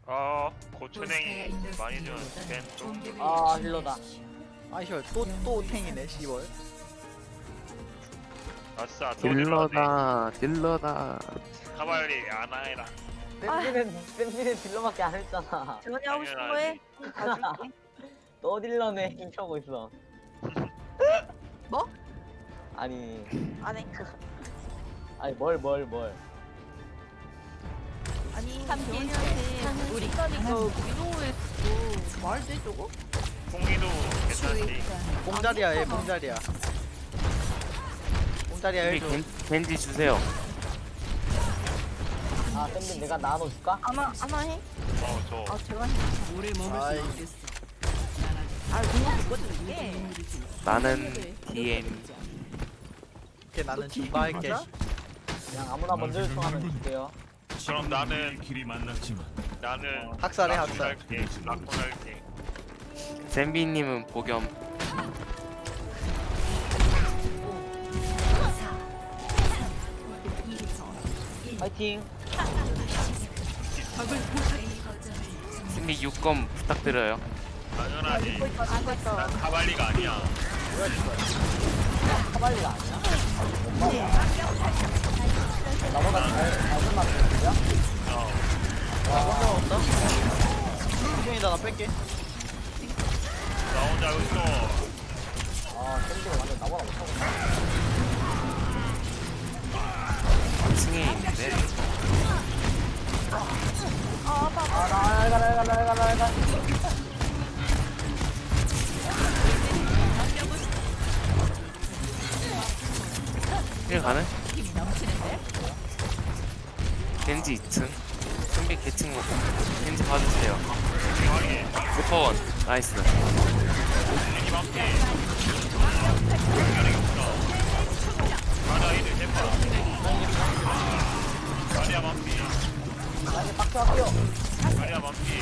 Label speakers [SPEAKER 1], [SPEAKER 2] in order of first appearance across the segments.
[SPEAKER 1] 고추냉이 많이 주는 벤또.
[SPEAKER 2] 아 힐러다.
[SPEAKER 3] 아이씨 또 탱이네 씨벌.
[SPEAKER 1] 아싸 딜러네.
[SPEAKER 4] 딜러다.
[SPEAKER 1] 카발리 아나해라.
[SPEAKER 2] 샌디는 딜러밖에 안 했잖아.
[SPEAKER 5] 재원이 하고 싶은 거 해. 봐줄게.
[SPEAKER 2] 또 딜러네 힘차고 있어.
[SPEAKER 5] 뭐?
[SPEAKER 2] 아니
[SPEAKER 5] 안 해.
[SPEAKER 2] 뭘.
[SPEAKER 5] 아니 재원이한테 우리 있다니까 위로했고 말도 해 저거?
[SPEAKER 1] 공기도 괜찮지.
[SPEAKER 3] 뽕자리야 얘 뽕자리야. 뽕자리야 해줘.
[SPEAKER 4] 겐지 주세요.
[SPEAKER 2] 아 샌디 내가 나눠줄까?
[SPEAKER 5] 아나 해?
[SPEAKER 1] 저.
[SPEAKER 5] 아 제가 해.
[SPEAKER 3] 아이
[SPEAKER 5] 아 공룡 바꿔줄게.
[SPEAKER 4] 나는 DM.
[SPEAKER 3] 이렇게 나는 중바 할게.
[SPEAKER 2] 그냥 아무나 먼저 요청하면 줄게요.
[SPEAKER 1] 그럼 나는
[SPEAKER 6] 길이 만났지만
[SPEAKER 3] 학살해,
[SPEAKER 1] 라쿤
[SPEAKER 3] 학살.
[SPEAKER 1] 할게. 라쿤 할게.
[SPEAKER 4] 샌비님은 복염.
[SPEAKER 2] 파이팅.
[SPEAKER 4] 샌비 6검 부탁드려요.
[SPEAKER 1] 당연하지.
[SPEAKER 5] 하고 있어.
[SPEAKER 1] 난 카발리가 아니야.
[SPEAKER 2] 카발리가 아니야? 나보다 잘 끝났는데요?
[SPEAKER 1] 어.
[SPEAKER 3] 없다. 수중이다 나 뺄게.
[SPEAKER 1] 나 혼자 웃어.
[SPEAKER 2] 아 샌디가 완전 나보다 못하고 있네.
[SPEAKER 4] 층에 있는데.
[SPEAKER 2] 나가.
[SPEAKER 4] 힐 가는? 겐지 2층. 샌비 개층 먹고. 겐지 봐주세요.
[SPEAKER 1] 대박이.
[SPEAKER 4] 리퍼원. 나이스.
[SPEAKER 1] 이 맘피. 연락이 없어. 가자 이들 대파. 가리아 맘피.
[SPEAKER 2] 나에게 박수 할게요.
[SPEAKER 1] 가리아 맘피.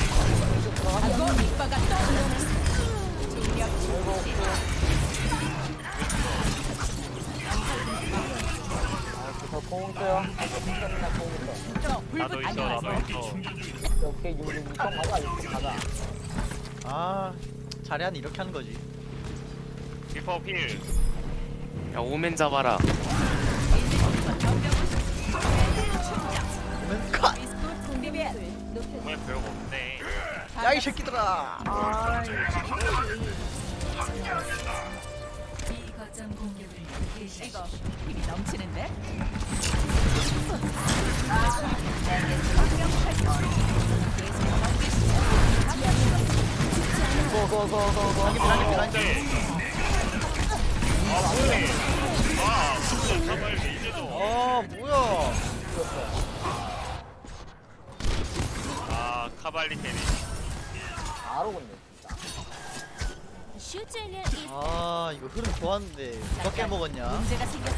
[SPEAKER 1] 저공 있어요. 공 있어. 나도 있어.
[SPEAKER 2] 오케이 6 가자 6 가자.
[SPEAKER 3] 아 자리한 이렇게 하는 거지.
[SPEAKER 1] 리퍼 필.
[SPEAKER 4] 야 오멘 잡아라.
[SPEAKER 3] 오면 컷.
[SPEAKER 1] 정말 별거 없네.
[SPEAKER 3] 야이 새끼들아.
[SPEAKER 5] 아
[SPEAKER 7] 이거 힘이 넘치는데?
[SPEAKER 1] 오케이. 아 뭐해? 아 진짜 카발리 이제도.
[SPEAKER 3] 뭐야.
[SPEAKER 1] 아 카발리 테니.
[SPEAKER 2] 바로 건네 진짜.
[SPEAKER 3] 아 이거 흐름 좋았는데 누가 깨먹었냐.
[SPEAKER 7] 문제가 생겼어.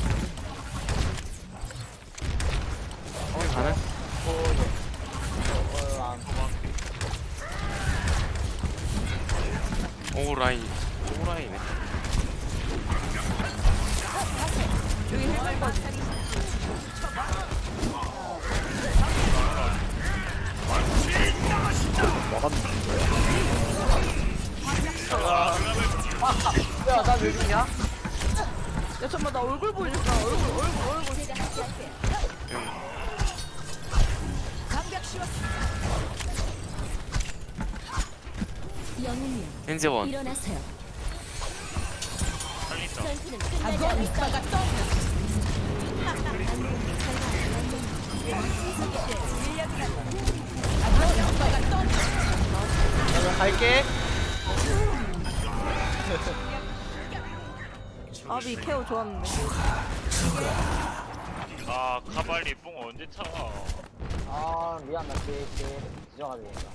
[SPEAKER 4] 힐 가는? 오 라인. 오 라인이네.
[SPEAKER 2] 야나왜 죽냐?
[SPEAKER 5] 야 잠깐만 나 얼굴 보여줄까? 얼굴.
[SPEAKER 4] 겐지 원.
[SPEAKER 1] 살린다.
[SPEAKER 3] 나도 갈게.
[SPEAKER 5] 아비 케어 좋았는데.
[SPEAKER 1] 아 카발리 뽕 언제 차?
[SPEAKER 2] 아 미안 나 지정하게 된다.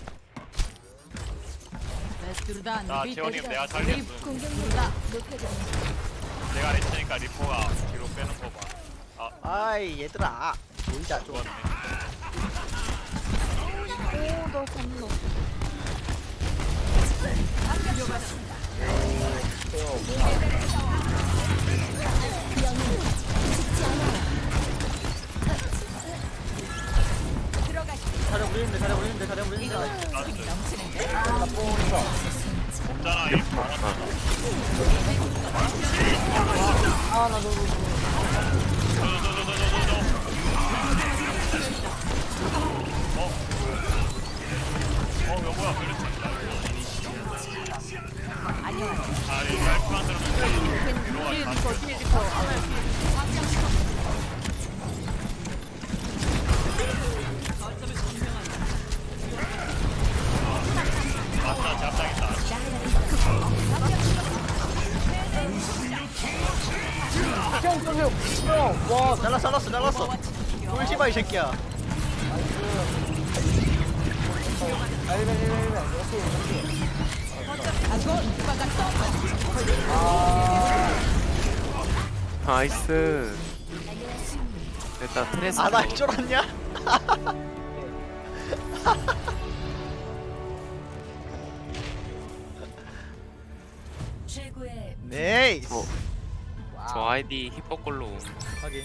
[SPEAKER 1] 나 재원님 내가 살렸어. 내가 했으니까 리퍼가 뒤로 빼는 거 봐.
[SPEAKER 3] 아이 얘들아 놀자 좀.
[SPEAKER 1] 죽었네.
[SPEAKER 5] 오너 잡노.
[SPEAKER 3] 사령 우리 물리는데 자리야 물리는데 자리야 물리는데.
[SPEAKER 7] 힘이 넘치는데.
[SPEAKER 2] 나뽕 있어.
[SPEAKER 1] 없잖아 이 바람.
[SPEAKER 2] 아나 너무
[SPEAKER 1] 이거 뭐야 그렇지.
[SPEAKER 7] 안녕하세요.
[SPEAKER 1] 아이 라이프 만들면
[SPEAKER 5] 뒤에 리퍼 뒤에 리퍼 아나 뒤에
[SPEAKER 1] 맞다 잡당했다.
[SPEAKER 2] 와
[SPEAKER 3] 잘랐어. 꿀시바 이 새끼야.
[SPEAKER 2] 알벤 이렇게
[SPEAKER 4] 나이스. 일단 트레스.
[SPEAKER 3] 아나 쫄았냐?
[SPEAKER 7] 최고의
[SPEAKER 3] 네이스.
[SPEAKER 4] 저 아이디 힙합걸로.
[SPEAKER 3] 확인.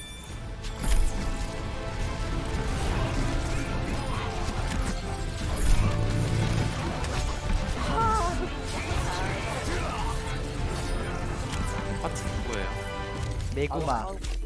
[SPEAKER 4] 파트 누구예요?
[SPEAKER 3] 메구마.